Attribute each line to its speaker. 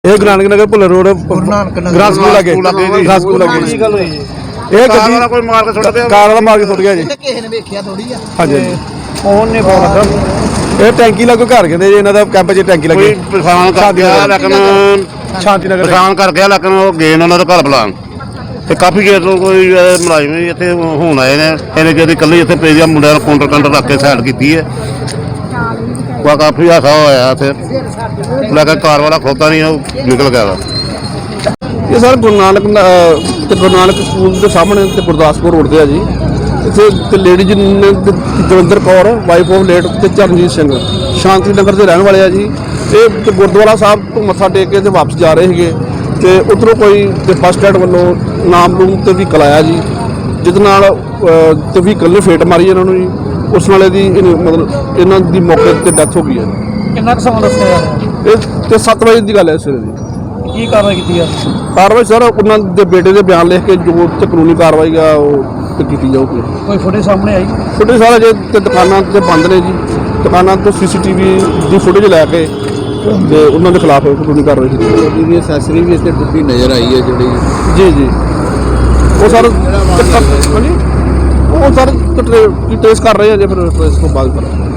Speaker 1: ਇਹ Guru Nanak Nagar Bhullar road grass school ਲੱਗੇ grass school ਲੱਗੇ
Speaker 2: ਕੀ ਗੱਲ ਹੋਈ ਜੀ?
Speaker 1: ਇਹ
Speaker 2: ਕਾਰ
Speaker 1: ਗੱਡੀ
Speaker 2: ਵਾਲਾ ਕੋਈ ਮਾਰ ਕੇ ਸੁੱਟ ਗਿਆ।
Speaker 1: ਕਾਰ ਵਾਲਾ ਮਾਰ ਕੇ ਸੁੱਟ ਗਿਆ ਜੀ।
Speaker 3: ਕਿਸੇ ਨੇ ਵੇਖਿਆ ਥੋੜੀ ਆ
Speaker 1: ਹਾਂਜੀ
Speaker 2: ਫੋਨ ਨੇ ਫੋਨ ਲੱਗਾ
Speaker 1: ਇਹ ਟੈਂਕੀ ਲੱਗੋ ਘਰ ਕਹਿੰਦੇ ਜੀ ਇਹਨਾਂ ਦਾ ਕੈਂਪ 'ਚ ਟੈਂਕੀ ਲੱਗੀ
Speaker 2: ਕੋਈ ਪਛਾਣ ਕਰ ਗਿਆ ਲੇਕਿਨ
Speaker 1: ਸ਼ਾਂਤੀ ਨਗਰ
Speaker 2: ਪਛਾਣ ਕਰ ਗਿਆ ਲੇਕਿਨ ਉਹ ਗਏ ਨੇ ਉਹਨਾਂ ਦਾ ਘਰ ਬੁਲਾਉਣ ਤੇ ਕਾਫੀ ਚਿਰ ਤੋਂ ਕੋਈ ਮੁਲਾਜ਼ਮ ਵੀ ਇੱਥੇ ਹੁਣ ਆਏ ਨੇ ਇਹਨੇ ਜਿਹੜੀ ਇਕੱਲੇ ਇੱਥੇ ਪੇਜਿਆ ਮੁੰਡਿਆਂ ਨੂੰ ਕਾਊਂਟਰ ਰੱਖ ਕੇ ਸਾਈਡ ਕੀਤੀ ਹੈ ਵਾ ਕਾਫੀ ਹਾਸਾ ਹੋਇਆ ਇੱਥੇ ਲੇਕਿਨ ਕਾਰ ਵਾਲਾ ਖੋਤਾ ਨਹੀਂ ਉਹ ਨਿਕਲ ਗਿਆ ਵਾ।
Speaker 1: ਇਹ ਸਰ ਗੁਰੂ ਨਾਨਕ ਸਕੂਲ ਦੇ ਸਾਹਮਣੇ ਤੇ ਗੁਰਦਾਸਪੁਰ ਰੋਡ ਤੇ ਆ ਜੀ। ਇੱਥੇ ਤੇ ਲੇਡੀ ਜੀ ਨੇ Davinder Kaur wife of late ਤੇ ਚਰਨਜੀਤ ਸਿੰਘ ਸ਼ਾਂਤੀ ਨਗਰ ਦੇ ਰਹਿਣ ਵਾਲੇ ਆ ਜੀ। ਇਹ ਤੇ ਗੁਰਦੁਆਰਾ ਸਾਹਿਬ ਤੋਂ ਮੱਥਾ ਟੇਕ ਕੇ ਤੇ ਵਾਪਸ ਜਾ ਰਹੇ ਸੀਗੇ ਤੇ ਉੱਧਰੋਂ ਕੋਈ ਤੇ ਬੱਸ ਸਟੈਂਡ ਵੱਲੋਂ ਨਾਮਲੂਮ ਤੇ ਵਹੀਕਲ ਆਇਆ ਜੀ, ਜਿਹਦੇ ਨਾਲ ਤੇ ਵਹੀਕਲ ਨੇ ਫੇਟ ਮਾਰੀ ਇਹਨਾਂ ਨੂੰ ਜੀ। ਉਸ ਨਾਲੇ ਦੀ ਮਤਲਬ ਇਹਨਾਂ ਦੀ ਮੌਕੇ ਤੇ ਡੈਥ ਹੋ ਗਈ ਹੈ।
Speaker 4: ਕਿੰਨਾ ਕੁ ਸਮਾਂ ਦੱਸਿਆ ਯਾਰ?
Speaker 1: ਇਹ ਤੇ 7 ਵਜੇ ਦੀ ਗੱਲ ਹੈ ਸਵੇਰੇ ਦੀ।
Speaker 4: ਕੀ ਕਾਰਵਾਈ ਕੀਤੀ ਆ?
Speaker 1: ਕਾਰਵਾਈ ਸਰ ਉਹਨਾਂ ਦੇ ਬੇਟੇ ਦੇ ਬਿਆਨ ਲਿਖ ਕੇ ਜੋ ਤੇ ਕਾਨੂੰਨੀ ਕਾਰਵਾਈ ਆ ਉਹ ਤੇ ਕੀਤੀ ਜਾਊਗੀ।
Speaker 4: ਕੋਈ ਫੁਟੇਜ ਸਾਹਮਣੇ ਆਈ?
Speaker 1: ਫੁਟੇਜ ਸਾਰਾ ਜੇ ਤੇ ਦੁਕਾਨਾਂ ਤੇ ਬੰਦ ਨੇ ਜੀ, ਦੁਕਾਨਾਂ ਤੋਂ ਸੀਸੀਟੀਵੀ ਦੀ ਫੁਟੇਜ ਲੈ ਕੇ ਤੇ ਉਹਨਾਂ ਦੇ ਖਿਲਾਫ ਕਾਨੂੰਨੀ ਕਾਰਵਾਈ ਕੀਤੀ ਜਾਊਗੀ।
Speaker 3: ਇਹਦੀ ਅਸੈਸਰੀ ਵੀ ਇੱਥੇ ਟੁੱਟੀ ਨਜ਼ਰ ਆਈ ਹੈ ਜਿਹੜੀ
Speaker 1: ਜੀ ਜੀ ਉਹ ਸਰ ਹਾਂਜੀ ਉਹ ਸਰ ਟ੍ਰੇਸ ਕਰ ਰਹੇ ਆ ਜੇ ਫਿਰ ਟ੍ਰੇਸ ਤੋਂ ਬਾਅਦ ਕਰਾਂਗੇ।